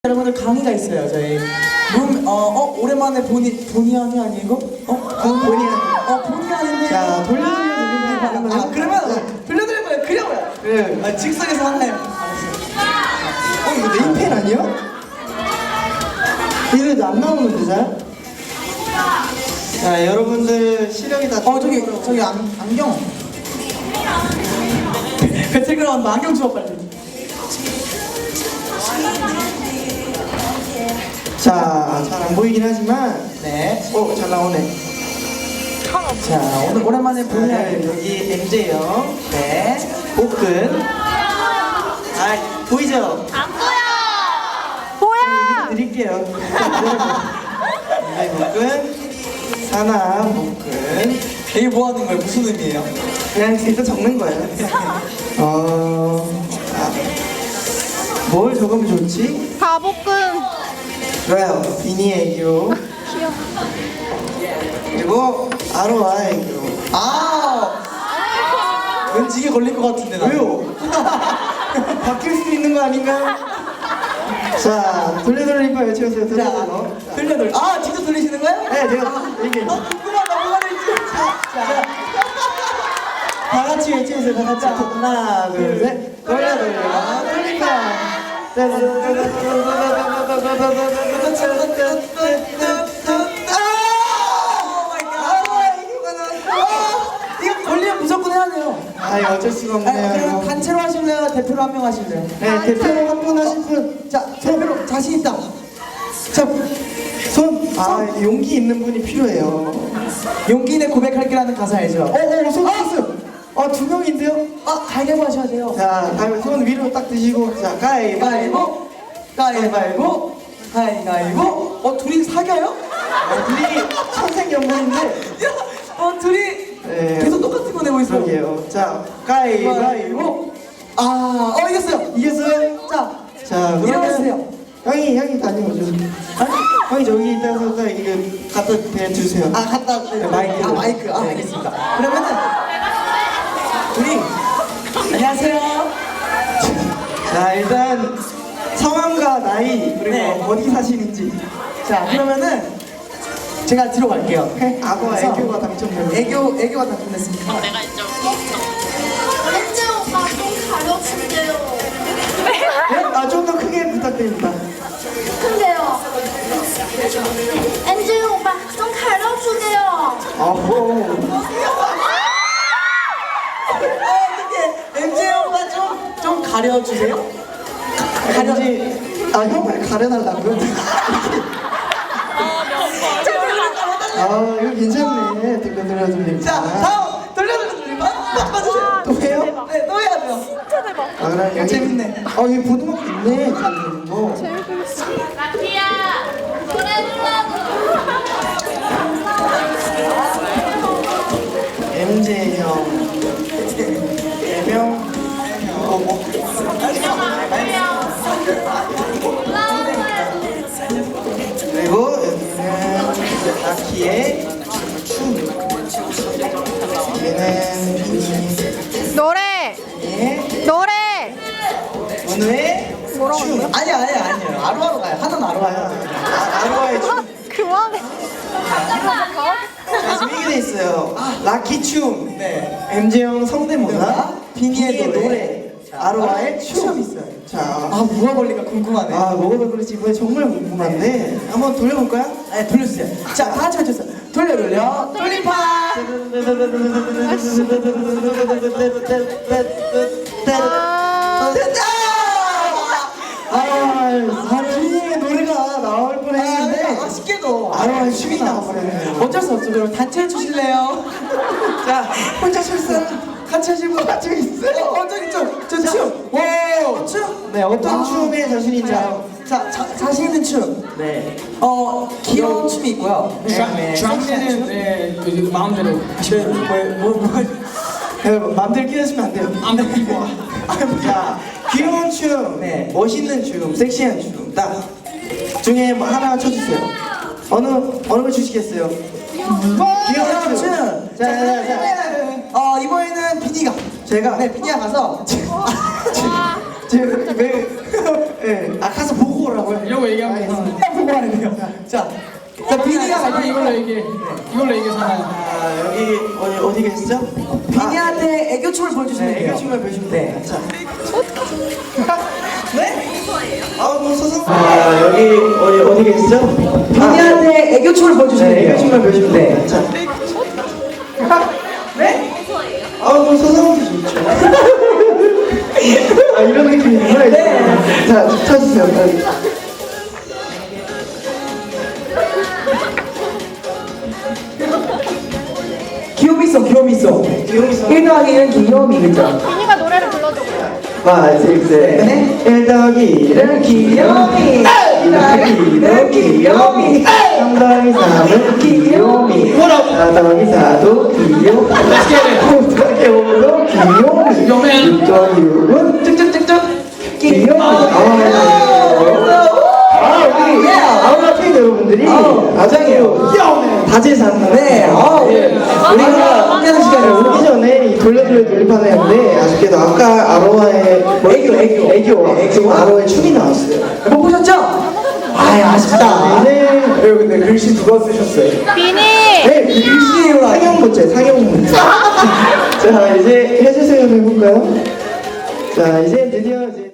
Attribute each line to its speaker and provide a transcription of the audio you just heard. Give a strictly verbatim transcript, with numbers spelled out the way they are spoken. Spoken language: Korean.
Speaker 1: 여러분들 강의가 있어요. 저희 룸, 어, 어 오랜만에 보니 보니 아니 아니고? 어? 그 보니 어 보니 아닌데.
Speaker 2: 자, 돌려드리면 돌려드리면
Speaker 1: 아,
Speaker 2: 가능해요?
Speaker 1: 아 그러면 돌려드릴 거예요. 그려봐요.
Speaker 2: 네.
Speaker 1: 아, 즉석에서 하나요.
Speaker 2: 어, 이거 네임펜 아니야? 이거 안 나오는데 잘? 자, 여러분들 시력이 다.
Speaker 1: 어 저기 저기 안, 안경. 배틀그라운드 안경 주워 빨리.
Speaker 2: 자, 잘 안 보이긴 하지만.
Speaker 1: 네.
Speaker 2: 어, 잘 나오네.
Speaker 1: 자 오늘 오랜만에 보니
Speaker 2: 네,
Speaker 1: 아니.
Speaker 2: 여기 엠제형,
Speaker 1: 네.
Speaker 2: 복근. 아, 보이죠?
Speaker 3: 안 보여! 보여!
Speaker 2: 드릴게요. 네, 복근. 사나, 복근.
Speaker 1: 이게 뭐 하는 거예요? 무슨 의미예요?
Speaker 2: 그냥 일단 적는 거예요. 어, 아, 뭘 적으면 좋지?
Speaker 3: 가복근.
Speaker 2: 좋아요. 비니 애교.
Speaker 3: 귀여워.
Speaker 2: 그리고 아로아 애교.
Speaker 1: 아 왠지 이게 걸릴 것 같은데 나.
Speaker 2: 왜요? 바뀔 수 있는 거 아닌가요? 자, 돌려돌리파 외쳐주세요.
Speaker 1: 자,
Speaker 2: 돌려돌려.
Speaker 1: 돌려 돌려. 아 직접 돌리시는 거예요?
Speaker 2: 네, 제가 이게
Speaker 1: 어 궁금하다 뭐가 될지. 자,
Speaker 2: 다 같이 외쳐주세요. 다 같이. 하나, 둘, 셋. 돌려 돌려. 돌리파.
Speaker 1: 이거 걸리면 무조건 해야 돼요.
Speaker 2: 아, 이거 어쩔 수가
Speaker 1: 아, 그럼
Speaker 2: 없네요.
Speaker 1: 단체로 하실래요? 대표로 한 명 하실래요?
Speaker 2: 네, 대표로 한 분 하실 분.
Speaker 1: 자, 대표로 자신 있다.
Speaker 2: 자, 손. 아, 용기 있는 분이 필요해요.
Speaker 1: 용기 내 고백할게라는 가사 알죠?
Speaker 2: 어, 어, 손 됐어요. 어, 두 명인데요?
Speaker 1: 아, 가위바위보 하셔야 돼요.
Speaker 2: 자, 다음에 손 위로 딱 드시고. 자, 가위바위보.
Speaker 1: 가위바위보, 가위바위보, 가위바위보. 어, 둘이 사겨요?
Speaker 2: 어, 둘이 천생연분인데.
Speaker 1: 야, 어, 둘이
Speaker 2: 네.
Speaker 1: 계속 똑같은 거 내고 있어.
Speaker 2: 그러게요. 자, 가위바위보.
Speaker 1: 아, 어, 이겼어요.
Speaker 2: 이겼어요?
Speaker 1: 자,
Speaker 2: 자,
Speaker 1: 일어나세요.
Speaker 2: 형이, 형이 다녀오죠. 아니, 형이 저기 있다가 딱 이거 갖다 대주세요.
Speaker 1: 아, 갔다. 네,
Speaker 2: 마이크.
Speaker 1: 아, 마이크. 아,
Speaker 2: 네.
Speaker 1: 알겠습니다. 그러면은, 우리, 안녕하세요.
Speaker 2: 자, 일단 성함과 나이 그리고
Speaker 1: 네.
Speaker 2: 어디 사시는지.
Speaker 1: 자, 그러면은, 제가 뒤로 갈게요.
Speaker 2: 악어와
Speaker 1: 그래서
Speaker 2: 애교가 당첨되고.
Speaker 1: 애교, 애교가 당첨됐습니다.
Speaker 3: 렌즈 오빠 좀 가려준대요.
Speaker 2: 네? 아, 좀 더 크게 부탁드립니다.
Speaker 3: 근데요. 렌즈 오빠 좀 가려주세요.
Speaker 2: 어허.
Speaker 1: 어떻게 엠제 오빠 좀, 좀 가려주세요? 가려.
Speaker 2: 왠지, 아, 형을 가려달라고요? 아, 이거 괜찮네. 돌려드려 돌리면.
Speaker 1: 자, 다음 돌려드리면 바꿔주세요.
Speaker 2: 또 해요?
Speaker 1: 네, 또 해야 돼요.
Speaker 2: 아, 그럼 여기.
Speaker 1: 재밌네.
Speaker 2: 어, 여기 보드막 있네. 뭐.
Speaker 3: 라티야 노래
Speaker 2: 엠제 형. 애명. 어, 뭐. 그리고 여기는 나키의 춤. 얘는 비니.
Speaker 3: 노래
Speaker 2: 의
Speaker 3: 노래
Speaker 2: 은우의
Speaker 3: 뭐라고
Speaker 2: 춤.
Speaker 3: 했어요?
Speaker 1: 아니야, 아니야, 아니에요. 아루아로 가요. 하나는 아루아요.
Speaker 2: 아, 아루아의 춤.
Speaker 3: 그만해.
Speaker 2: 자, 지금 이게 돼 있어요. 라키 춤.
Speaker 1: 네.
Speaker 2: 엠제형 성대모사.
Speaker 1: 뭐야? 비니의
Speaker 2: 비니의
Speaker 1: 노래.
Speaker 2: 노래. 아로아의 춤.
Speaker 1: 춤 있어요.
Speaker 2: 자,
Speaker 1: 아, 뭐가 걸릴까 궁금하네.
Speaker 2: 아, 뭐가 그럴지 이번에 정말 궁금한데 한번 돌려볼까요?
Speaker 1: 네, 돌려주세요. 자, 다 같이 해주세요. 돌려, 돌려. 돌림파!
Speaker 3: 아,
Speaker 1: 됐다!
Speaker 2: 아, 아, 비니의 노래가 나올 뻔했는데
Speaker 1: 아, 아쉽게도
Speaker 2: 아로아의 춤이 나와버렸네요.
Speaker 1: 어쩔 수 없죠. 그럼 단체 해주실래요?
Speaker 2: 자, 혼자 출산
Speaker 1: 같이 하시고.
Speaker 2: 같이 있어요.
Speaker 1: 어, 저기 좀, 저 춤. 와, 춤?
Speaker 2: 네, 어떤
Speaker 1: 아,
Speaker 2: 춤에 자신인지
Speaker 1: 자,
Speaker 2: 알아요?
Speaker 1: 자, 자, 자신 있는 춤.
Speaker 2: 네.
Speaker 1: 어, 귀여운 춤이 있고요.
Speaker 2: 네.
Speaker 4: 주황씨는 네, 그 마음대로 하시면 돼요.
Speaker 1: 뭐, 뭐, 뭐.
Speaker 2: 여러분 맘대로 끼우시면 안 돼요.
Speaker 4: 아무 이거
Speaker 2: 자, 귀여운 춤,
Speaker 1: 네.
Speaker 2: 멋있는 춤, 섹시한 춤, 딱 중에 뭐 하나 쳐주세요. 어느 어느 걸 주시겠어요? 귀여운 춤. 자, 자, 자,
Speaker 1: 이번에는, 어, 이번에는 비니가.
Speaker 2: 제가
Speaker 1: 네, 비니가 가서.
Speaker 2: 지금 왜? 예, 아 가서 보고 오라고요.
Speaker 4: 이런 거 얘기하면 이상하네.
Speaker 1: 보고 하는데요. 자, 자 비니가
Speaker 4: 잠깐
Speaker 1: 갈
Speaker 4: 이걸로
Speaker 1: 거니까
Speaker 4: 얘기해. 이걸로 얘기하잖아요.
Speaker 2: 아 여기 어디 어디 계시죠?
Speaker 1: 비니한테 애교춤을 보여주시면
Speaker 2: 네,
Speaker 1: 돼요.
Speaker 2: 애교춤을 보여주면
Speaker 1: 네.
Speaker 2: 돼요. 자. 네? 아, 뭐 서서. 아, 여기 어디 어디 계시죠?
Speaker 1: 비니한테 애교춤을 보여주시면
Speaker 2: 네,
Speaker 1: 돼요.
Speaker 2: 애교춤을 보여주면
Speaker 1: 네.
Speaker 2: 돼요. 자. 네? 아, 뭐 서서하기 좋죠. 아, 이런 느낌이구나. 네. 자, 쳐주세요. 빨리.
Speaker 1: 귀요미 있어, 귀요미 있어.
Speaker 2: 귀요미 있어.
Speaker 1: 일 더하기 일은 귀요미, 그죠?
Speaker 3: 비니가 노래를 불러줘 그래요.
Speaker 2: 와, 섹세. 일 더하기 일은
Speaker 1: 귀요미. 일 더하기 일은 귀요미.
Speaker 2: 삼 더하기 삼은 귀요미. 사 더하기 사도 귀요미. 오 더하기 오도 귀요미.
Speaker 4: 요맨.
Speaker 2: 육 더하기 육은 쭉쭉쭉쭉 귀요미. 아, 우리 아우라 팬 여러분들이 아장이에요. 다재산.
Speaker 1: 네, 어, 우리가 함께하는 시간을
Speaker 2: 오기 전에 이 돌려돌려 돌림판을 했는데 아쉽게도 아까 아로하의
Speaker 1: 애교, 애교.
Speaker 2: 애교 지금 아로하의 춤이 나왔어요.
Speaker 1: 못 보셨죠? 아이, 아쉽다.
Speaker 2: 이제 여러분 근데 글씨 누가 쓰셨어요?
Speaker 3: 비니.
Speaker 2: 네, 글씨 상형 문제, 상형 문제. 자 이제 해주세요 해볼까요? 자 이제 드디어 이제